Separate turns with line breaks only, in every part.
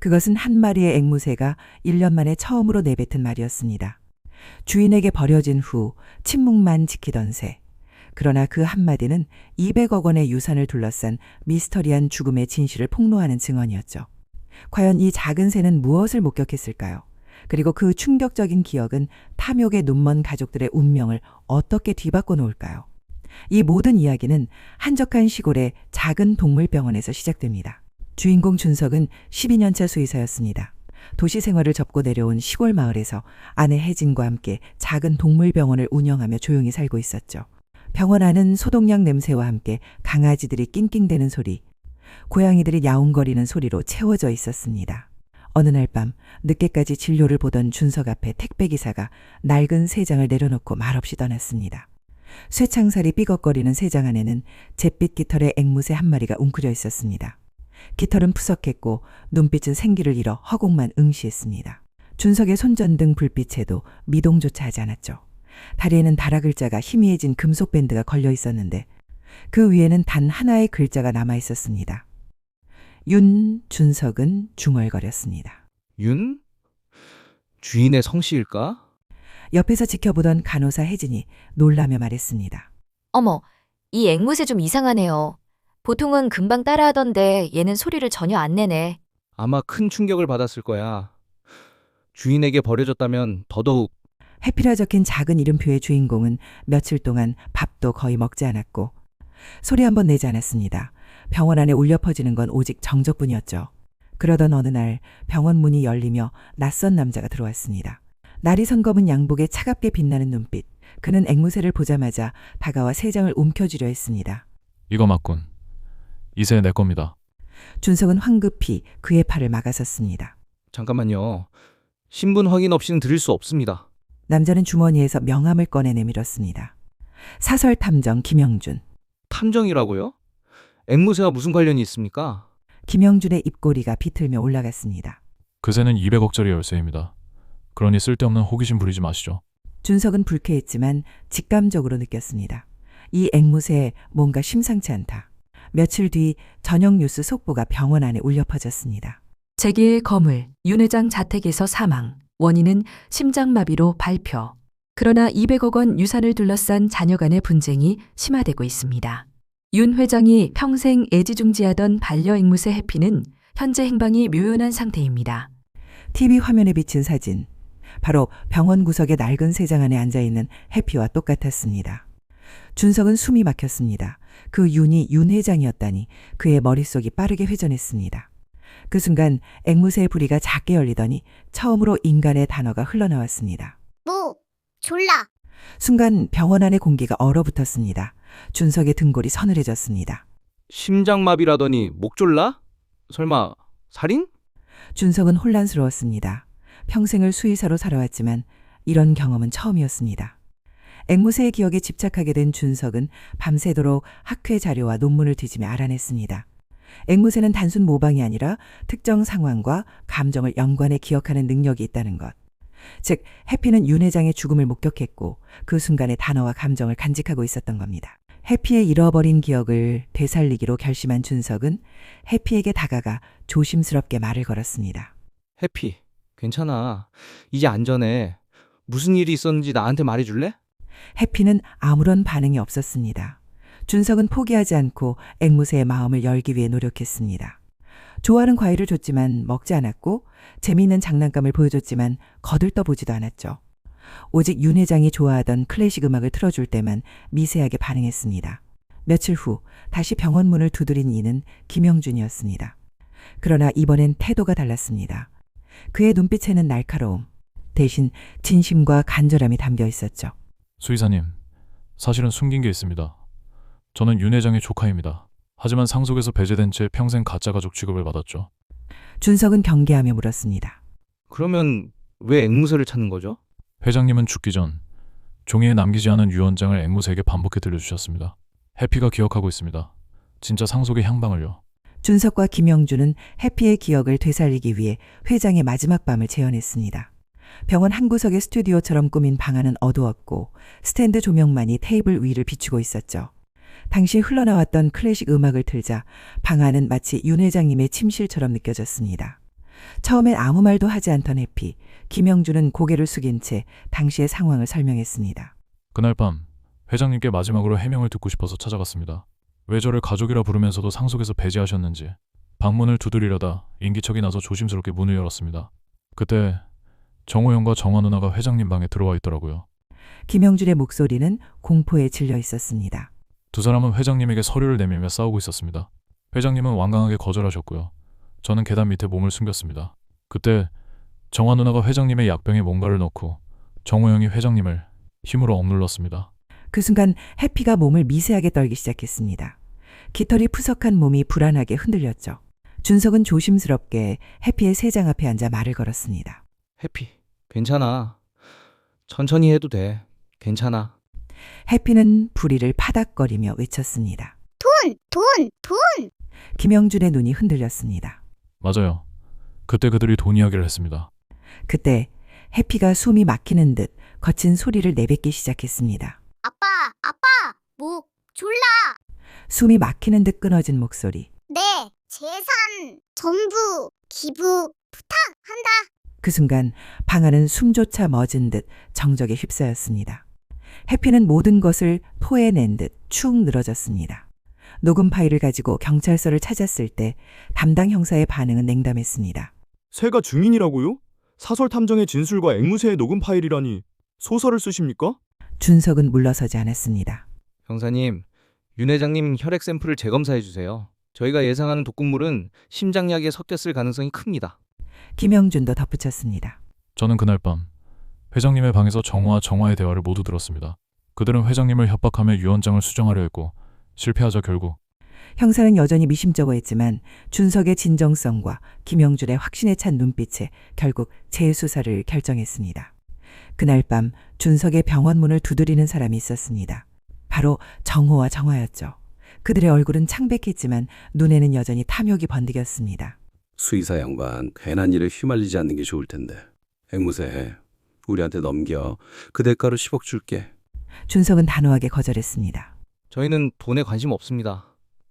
그것은 한 마리의 앵무새가 1년 만에 처음으로 내뱉은 말이었습니다. 주인에게 버려진 후 침묵만 지키던 새. 그러나 그 한마디는 200억 원의 유산을 둘러싼 미스터리한 죽음의 진실을 폭로하는 증언이었죠. 과연 이 작은 새는 무엇을 목격했을까요? 그리고 그 충격적인 기억은 탐욕의 눈먼 가족들의 운명을 어떻게 뒤바꿔 놓을까요? 이 모든 이야기는 한적한 시골의 작은 동물병원에서 시작됩니다. 주인공 준석은 12년차 수의사였습니다. 도시 생활을 접고 내려온 시골 마을에서 아내 혜진과 함께 작은 동물병원을 운영하며 조용히 살고 있었죠. 병원 안은 소독약 냄새와 함께 강아지들이 낑낑대는 소리, 고양이들이 야옹거리는 소리로 채워져 있었습니다. 어느 날 밤 늦게까지 진료를 보던 준석 앞에 택배기사가 낡은 새장을 내려놓고 말없이 떠났습니다. 쇠창살이 삐걱거리는 새장 안에는 잿빛 깃털의 앵무새 한 마리가 웅크려 있었습니다. 깃털은 푸석했고 눈빛은 생기를 잃어 허공만 응시했습니다. 준석의 손전등 불빛에도 미동조차 하지 않았죠. 다리에는 달아 글자가 희미해진 금속 밴드가 걸려 있었는데 그 위에는 단 하나의 글자가 남아 있었습니다. 준석은 중얼거렸습니다.
윤? 주인의 성씨일까?
옆에서 지켜보던 간호사 혜진이 놀라며 말했습니다.
어머, 이 앵무새 좀 이상하네요. 보통은 금방 따라하던데 얘는 소리를 전혀 안 내네.
아마 큰 충격을 받았을 거야. 주인에게 버려졌다면 더더욱.
해피라 적힌 작은 이름표의 주인공은 며칠 동안 밥도 거의 먹지 않았고 소리 한번 내지 않았습니다. 병원 안에 울려 퍼지는 건 오직 정적뿐이었죠. 그러던 어느 날 병원 문이 열리며 낯선 남자가 들어왔습니다. 날이 선검은 양복에 차갑게 빛나는 눈빛. 그는 앵무새를 보자마자 다가와 새장을 움켜쥐려 했습니다.
이거 맞군. 이 새 내 겁니다.
준석은 황급히 그의 팔을 막아섰습니다.
잠깐만요. 신분 확인 없이는 드릴 수 없습니다.
남자는 주머니에서 명함을 꺼내 내밀었습니다. 사설탐정 김영준.
탐정이라고요? 앵무새와 무슨 관련이 있습니까?
김영준의 입꼬리가 비틀며 올라갔습니다.
그 새는 200억짜리 열쇠입니다. 그러니 쓸데없는 호기심 부리지 마시죠.
준석은 불쾌했지만 직감적으로 느꼈습니다. 이 앵무새에 뭔가 심상치 않다. 며칠 뒤 저녁 뉴스 속보가 병원 안에 울려 퍼졌습니다.
제1 거물, 윤 회장 자택에서 사망, 원인은 심장마비로 발표. 그러나 200억 원 유산을 둘러싼 자녀 간의 분쟁이 심화되고 있습니다. 윤 회장이 평생 애지중지하던 반려앵무새 해피는 현재 행방이 묘연한 상태입니다.
TV 화면에 비친 사진. 바로 병원 구석의 낡은 새장 안에 앉아있는 해피와 똑같았습니다. 준석은 숨이 막혔습니다. 그 윤이 윤 회장이었다니 그의 머릿속이 빠르게 회전했습니다. 그 순간 앵무새의 부리가 작게 열리더니 처음으로 인간의 단어가 흘러나왔습니다.
졸라.
순간 병원 안의 공기가 얼어붙었습니다. 준석의 등골이 서늘해졌습니다.
심장마비라더니 목졸라? 설마 살인?
준석은 혼란스러웠습니다. 평생을 수의사로 살아왔지만 이런 경험은 처음이었습니다. 앵무새의 기억에 집착하게 된 준석은 밤새도록 학회 자료와 논문을 뒤지며 알아냈습니다. 앵무새는 단순 모방이 아니라 특정 상황과 감정을 연관해 기억하는 능력이 있다는 것. 즉, 해피는 윤 회장의 죽음을 목격했고 그 순간의 단어와 감정을 간직하고 있었던 겁니다. 해피의 잃어버린 기억을 되살리기로 결심한 준석은 해피에게 다가가 조심스럽게 말을 걸었습니다.
해피, 괜찮아. 이제 안전해. 무슨 일이 있었는지 나한테 말해줄래?
해피는 아무런 반응이 없었습니다. 준석은 포기하지 않고 앵무새의 마음을 열기 위해 노력했습니다. 좋아하는 과일을 줬지만 먹지 않았고 재미있는 장난감을 보여줬지만 거들떠보지도 않았죠. 오직 윤 회장이 좋아하던 클래식 음악을 틀어줄 때만 미세하게 반응했습니다. 며칠 후 다시 병원 문을 두드린 이는 김영준이었습니다. 그러나 이번엔 태도가 달랐습니다. 그의 눈빛에는 날카로움, 대신 진심과 간절함이 담겨 있었죠.
수의사님, 사실은 숨긴 게 있습니다. 저는 윤 회장의 조카입니다. 하지만 상속에서 배제된 채 평생 가짜 가족 취급을 받았죠.
준석은 경계하며 물었습니다.
그러면 왜 앵무새를 찾는 거죠?
회장님은 죽기 전 종이에 남기지 않은 유언장을 앵무새에게 반복해 들려주셨습니다. 해피가 기억하고 있습니다. 진짜 상속의 향방을요.
준석과 김영준은 해피의 기억을 되살리기 위해 회장의 마지막 밤을 재현했습니다. 병원 한 구석의 스튜디오처럼 꾸민 방 안은 어두웠고 스탠드 조명만이 테이블 위를 비추고 있었죠. 당시 흘러나왔던 클래식 음악을 틀자 방 안은 마치 윤 회장님의 침실처럼 느껴졌습니다. 처음엔 아무 말도 하지 않던 해피, 김영준은 고개를 숙인 채 당시의 상황을 설명했습니다.
그날 밤 회장님께 마지막으로 해명을 듣고 싶어서 찾아갔습니다. 왜 저를 가족이라 부르면서도 상속에서 배제하셨는지. 방문을 두드리려다 인기척이 나서 조심스럽게 문을 열었습니다. 그때 정호영과 정화 누나가 회장님 방에 들어와 있더라고요.
김영준의 목소리는 공포에 질려 있었습니다.
두 사람은 회장님에게 서류를 내밀며 싸우고 있었습니다. 회장님은 완강하게 거절하셨고요. 저는 계단 밑에 몸을 숨겼습니다. 그때 정화 누나가 회장님의 약병에 뭔가를 넣고 정호영이 회장님을 힘으로 억눌렀습니다.
그 순간 해피가 몸을 미세하게 떨기 시작했습니다. 깃털이 푸석한 몸이 불안하게 흔들렸죠. 준석은 조심스럽게 해피의 세장 앞에 앉아 말을 걸었습니다.
해피, 괜찮아. 천천히 해도 돼. 괜찮아.
해피는 부리를 파닥거리며 외쳤습니다.
돈!
김영준의 눈이 흔들렸습니다.
맞아요. 그때 그들이 돈 이야기를 했습니다.
그때 해피가 숨이 막히는 듯 거친 소리를 내뱉기 시작했습니다.
아빠, 목 졸라.
숨이 막히는 듯 끊어진 목소리.
내 재산 전부 기부 부탁한다.
그 순간 방 안은 숨조차 멎은 듯 정적에 휩싸였습니다. 해피는 모든 것을 토해낸 듯 축 늘어졌습니다. 녹음 파일을 가지고 경찰서를 찾았을 때 담당 형사의 반응은 냉담했습니다.
새가 증인이라고요? 사설 탐정의 진술과 앵무새의 녹음 파일이라니 소설을 쓰십니까?
준석은 물러서지 않았습니다.
형사님, 윤 회장님 혈액 샘플을 재검사해 주세요. 저희가 예상하는 독극물은 심장약에 섞였을 가능성이 큽니다.
김영준도 덧붙였습니다.
저는 그날 밤 회장님의 방에서 정호와 정화의 대화를 모두 들었습니다. 그들은 회장님을 협박하며 유언장을 수정하려 했고 실패하자 결국
형사는 여전히 미심쩍어 했지만 준석의 진정성과 김영준의 확신에 찬 눈빛에 결국 재수사를 결정했습니다. 그날 밤 준석의 병원 문을 두드리는 사람이 있었습니다. 바로 정호와 정화였죠. 그들의 얼굴은 창백했지만 눈에는 여전히 탐욕이 번득였습니다.
수의사 양반, 괜한 일에 휘말리지 않는 게 좋을 텐데. 앵무새, 우리한테 넘겨. 그 대가로 10억 줄게.
준석은 단호하게 거절했습니다.
저희는 돈에 관심 없습니다.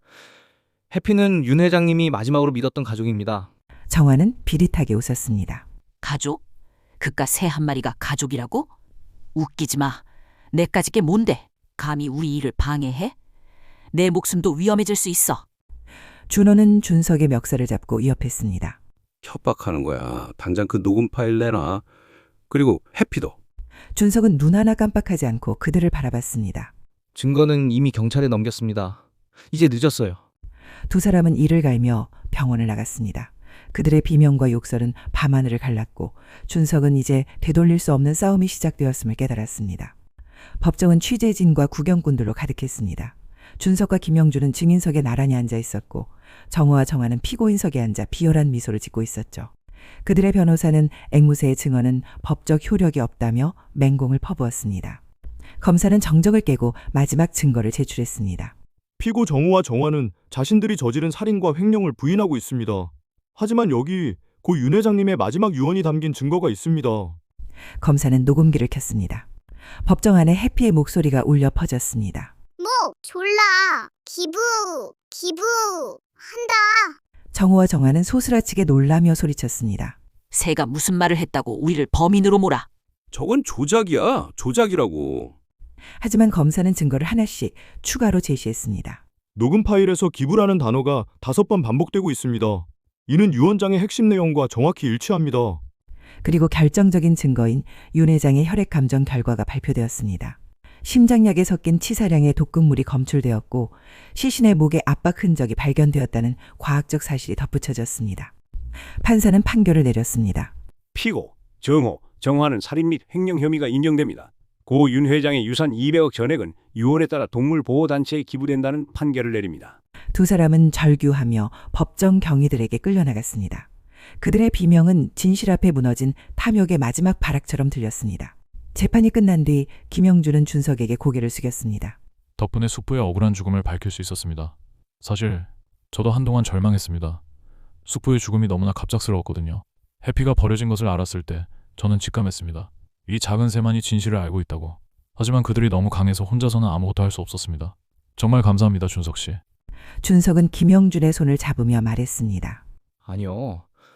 해피는 윤 회장님이 마지막으로 믿었던 가족입니다.
정화는 비릿하게 웃었습니다.
가족? 그깟 새 한 마리가 가족이라고? 웃기지 마. 내까지 게 뭔데? 감히 우리 일을 방해해? 내 목숨도 위험해질 수 있어.
준호는 준석의 멱살을 잡고 위협했습니다.
협박하는 거야. 당장 그 녹음 파일 내놔. 그리고 해피도.
준석은 눈 하나 깜빡하지 않고 그들을 바라봤습니다.
증거는 이미 경찰에 넘겼습니다. 이제 늦었어요.
두 사람은 이를 갈며 병원을 나갔습니다. 그들의 비명과 욕설은 밤하늘을 갈랐고 준석은 이제 되돌릴 수 없는 싸움이 시작되었음을 깨달았습니다. 법정은 취재진과 구경꾼들로 가득했습니다. 준석과 김영준은 증인석에 나란히 앉아 있었고 정호와 정화는 피고인석에 앉아 비열한 미소를 짓고 있었죠. 그들의 변호사는 앵무새의 증언은 법적 효력이 없다며 맹공을 퍼부었습니다. 검사는 정적을 깨고 마지막 증거를 제출했습니다.
피고 정우와 정화는 자신들이 저지른 살인과 횡령을 부인하고 있습니다. 하지만 여기 고 윤 회장님의 마지막 유언이 담긴 증거가 있습니다.
검사는 녹음기를 켰습니다. 법정 안에 해피의 목소리가 울려 퍼졌습니다.
목 졸라. 기부한다.
정호와 정화는 소스라치게 놀라며 소리쳤습니다.
새가 무슨 말을 했다고 우리를 범인으로 몰아.
저건 조작이야. 조작이라고.
하지만 검사는 증거를 하나씩 추가로 제시했습니다.
녹음 파일에서 기부라는 단어가 5번 반복되고 있습니다. 이는 유언장의 핵심 내용과 정확히 일치합니다.
그리고 결정적인 증거인 윤 회장의 혈액 감정 결과가 발표되었습니다. 심장약에 섞인 치사량의 독극물이 검출되었고 시신의 목에 압박 흔적이 발견되었다는 과학적 사실이 덧붙여졌습니다. 판사는 판결을 내렸습니다.
피고, 정호, 정화는 살인 및 횡령 혐의가 인정됩니다. 고 윤 회장의 유산 200억 전액은 유언에 따라 동물보호단체에 기부된다는 판결을 내립니다.
두 사람은 절규하며 법정 경위들에게 끌려나갔습니다. 그들의 비명은 진실 앞에 무너진 탐욕의 마지막 발악처럼 들렸습니다. 재판이 끝난 뒤 김영준은 준석에게 고개를 숙였습니다.
덕분에 숙부의 억울한 죽음을 밝힐 수 있었습니다. 사실 저도 한동안 절망했습니다. 숙부의 죽음이 너무나 갑작스러웠거든요. 해피가 버려진 것을 알았을 때 저는 직감했습니다. 이 작은 새만이 진실을 알고 있다고. 하지만 그들이 너무 강해서 혼자서는 아무것도 할 수 없었습니다. 정말 감사합니다, 준석 씨.
준석은 김영준의 손을 잡으며 말했습니다.
아니요.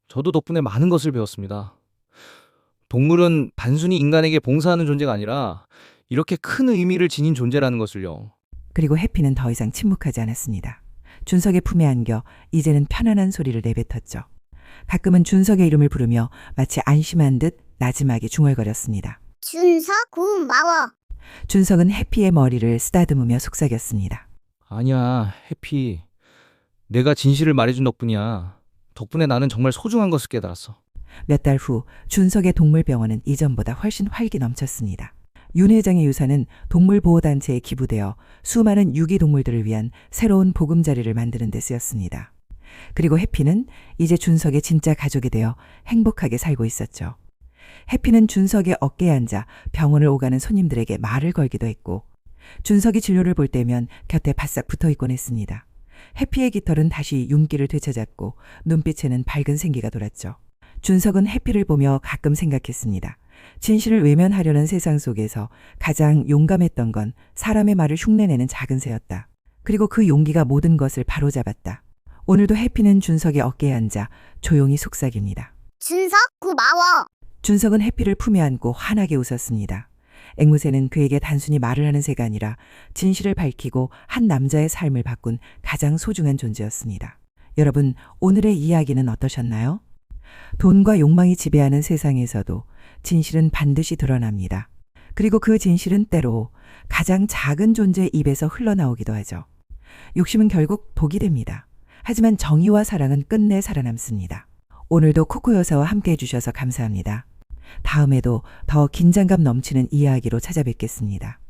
저도 덕분에 많은 것을 배웠습니다. 동물은 단순히 인간에게 봉사하는 존재가 아니라 이렇게 큰 의미를 지닌 존재라는 것을요.
그리고 해피는 더 이상 침묵하지 않았습니다. 준석의 품에 안겨 이제는 편안한 소리를 내뱉었죠. 가끔은 준석의 이름을 부르며 마치 안심한 듯 나지막이 중얼거렸습니다.
준석 고마워.
준석은 해피의 머리를 쓰다듬으며 속삭였습니다.
아니야, 해피. 내가 진실을 말해준 덕분이야. 덕분에 나는 정말 소중한 것을 깨달았어.
몇 달 후 준석의 동물병원은 이전보다 훨씬 활기 넘쳤습니다. 윤 회장의 유산은 동물보호단체에 기부되어 수많은 유기동물들을 위한 새로운 보금자리를 만드는 데 쓰였습니다. 그리고 해피는 이제 준석의 진짜 가족이 되어 행복하게 살고 있었죠. 해피는 준석의 어깨에 앉아 병원을 오가는 손님들에게 말을 걸기도 했고 준석이 진료를 볼 때면 곁에 바싹 붙어 있곤 했습니다. 해피의 깃털은 다시 윤기를 되찾았고 눈빛에는 밝은 생기가 돌았죠. 준석은 해피를 보며 가끔 생각했습니다. 진실을 외면하려는 세상 속에서 가장 용감했던 건 사람의 말을 흉내내는 작은 새였다. 그리고 그 용기가 모든 것을 바로잡았다. 오늘도 해피는 준석의 어깨에 앉아 조용히 속삭입니다.
준석 고마워.
준석은 해피를 품에 안고 환하게 웃었습니다. 앵무새는 그에게 단순히 말을 하는 새가 아니라 진실을 밝히고 한 남자의 삶을 바꾼 가장 소중한 존재였습니다. 여러분, 오늘의 이야기는 어떠셨나요? 돈과 욕망이 지배하는 세상에서도 진실은 반드시 드러납니다. 그리고 그 진실은 때로 가장 작은 존재의 입에서 흘러나오기도 하죠. 욕심은 결국 독이 됩니다. 하지만 정의와 사랑은 끝내 살아남습니다. 오늘도 코코 여사와 함께 해주셔서 감사합니다. 다음에도 더 긴장감 넘치는 이야기로 찾아뵙겠습니다.